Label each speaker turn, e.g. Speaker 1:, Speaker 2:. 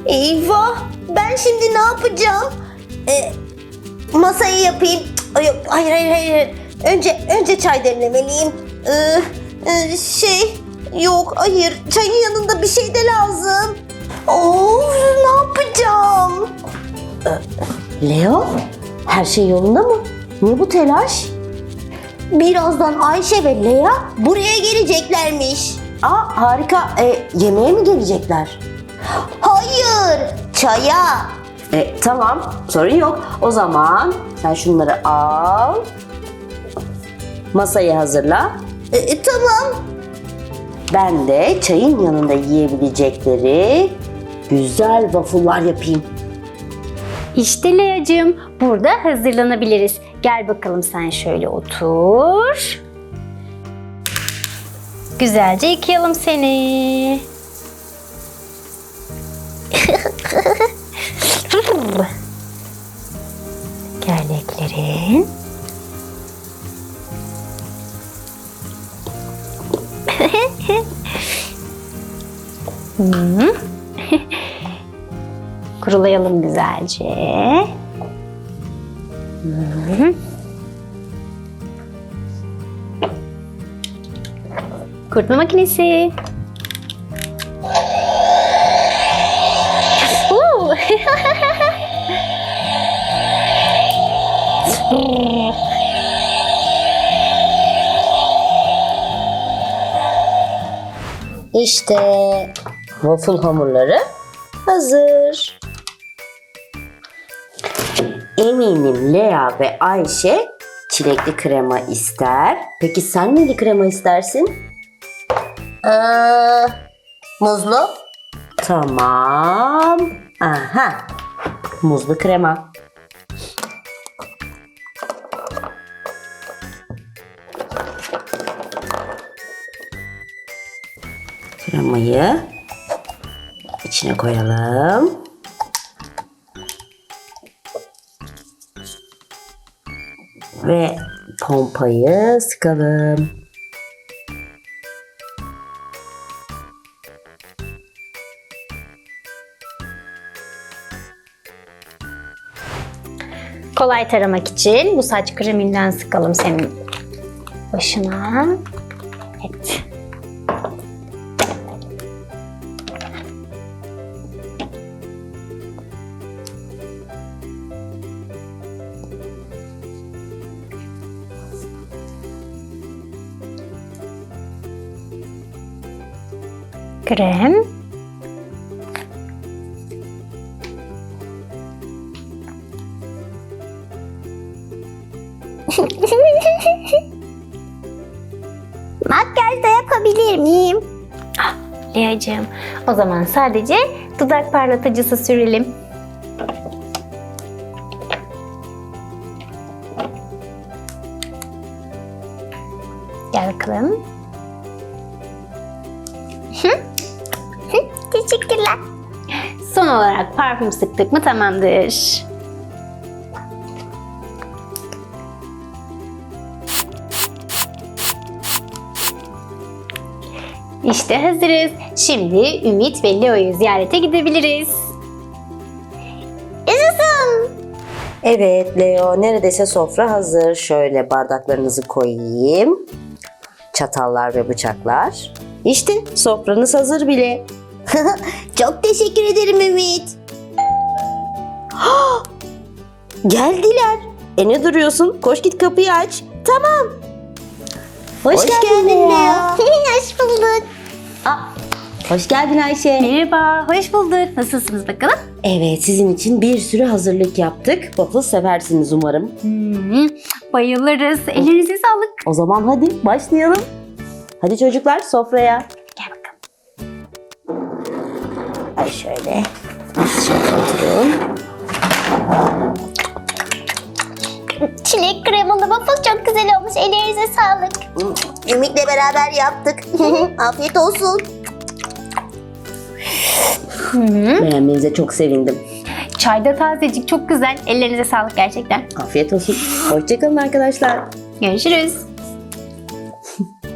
Speaker 1: Eyvah! Ben şimdi ne yapacağım? Masayı yapayım. Yok, hayır. Önce çay demlemeliyim. Yok, hayır. Çayın yanında bir şey de lazım. Of, ne yapacağım? Leo, her şey yolunda mı? Niye bu telaş? Birazdan Ayşe ve Lea buraya geleceklermiş. Aa, harika. Yemeğe mi gelecekler? Hayır, çaya. Tamam, sorun yok. O zaman sen şunları al. Masayı hazırla. Tamam. Ben de çayın yanında yiyebilecekleri güzel waffle'lar yapayım.
Speaker 2: İşte Lea'cığım, burada hazırlanabiliriz. Gel bakalım, sen şöyle otur. Güzelce yıkayalım seni. Gerleklerin. Kurulayalım güzelce. Kurutma makinesi.
Speaker 1: İşte waffle hamurları hazır. Eminim Lea ve Ayşe çilekli krema ister. Peki sen neli krema istersin? Muzlu. Tamam. Aha. Muzlu krema. Kremayı içine koyalım. Ve pompayı sıkalım.
Speaker 2: Kolay taramak için bu saç kreminden sıkalım senin başına. Evet. Krem.
Speaker 1: Makyaj da yapabilir miyim?
Speaker 2: Lea'cığım, o zaman sadece dudak parlatıcısı sürelim. Gel bakalım.
Speaker 1: Teşekkürler.
Speaker 2: Son olarak parfüm sıktık mı tamamdır. İşte hazırız. Şimdi Ümit ve Leo'yu ziyarete gidebiliriz.
Speaker 1: Yaşasın. Evet Leo, neredeyse sofra hazır. Şöyle bardaklarınızı koyayım. Çatallar ve bıçaklar. İşte sofranız hazır bile. Çok teşekkür ederim Ümit. Geldiler. Ne duruyorsun? Koş git kapıyı aç. Tamam. Hoş geldin Leo. Hoş bulduk. Hoş geldin Ayşe.
Speaker 2: Merhaba, hoş bulduk. Nasılsınız bakalım?
Speaker 1: Evet, sizin için bir sürü hazırlık yaptık. Waffle seversiniz umarım.
Speaker 2: Bayılırız. Ellerinize sağlık.
Speaker 1: O zaman hadi başlayalım. Hadi çocuklar sofraya.
Speaker 2: Gel bakalım.
Speaker 1: Ay şöyle. Şöyle oturun.
Speaker 3: Çilek kremalı waffle çok güzel olmuş. Ellerinize sağlık.
Speaker 1: Ümit'le beraber yaptık. Afiyet olsun. Beğenmenize çok sevindim.
Speaker 2: Çay da tazecik, çok güzel. Ellerinize sağlık gerçekten.
Speaker 1: Afiyet olsun. Hoşçakalın arkadaşlar.
Speaker 2: Görüşürüz.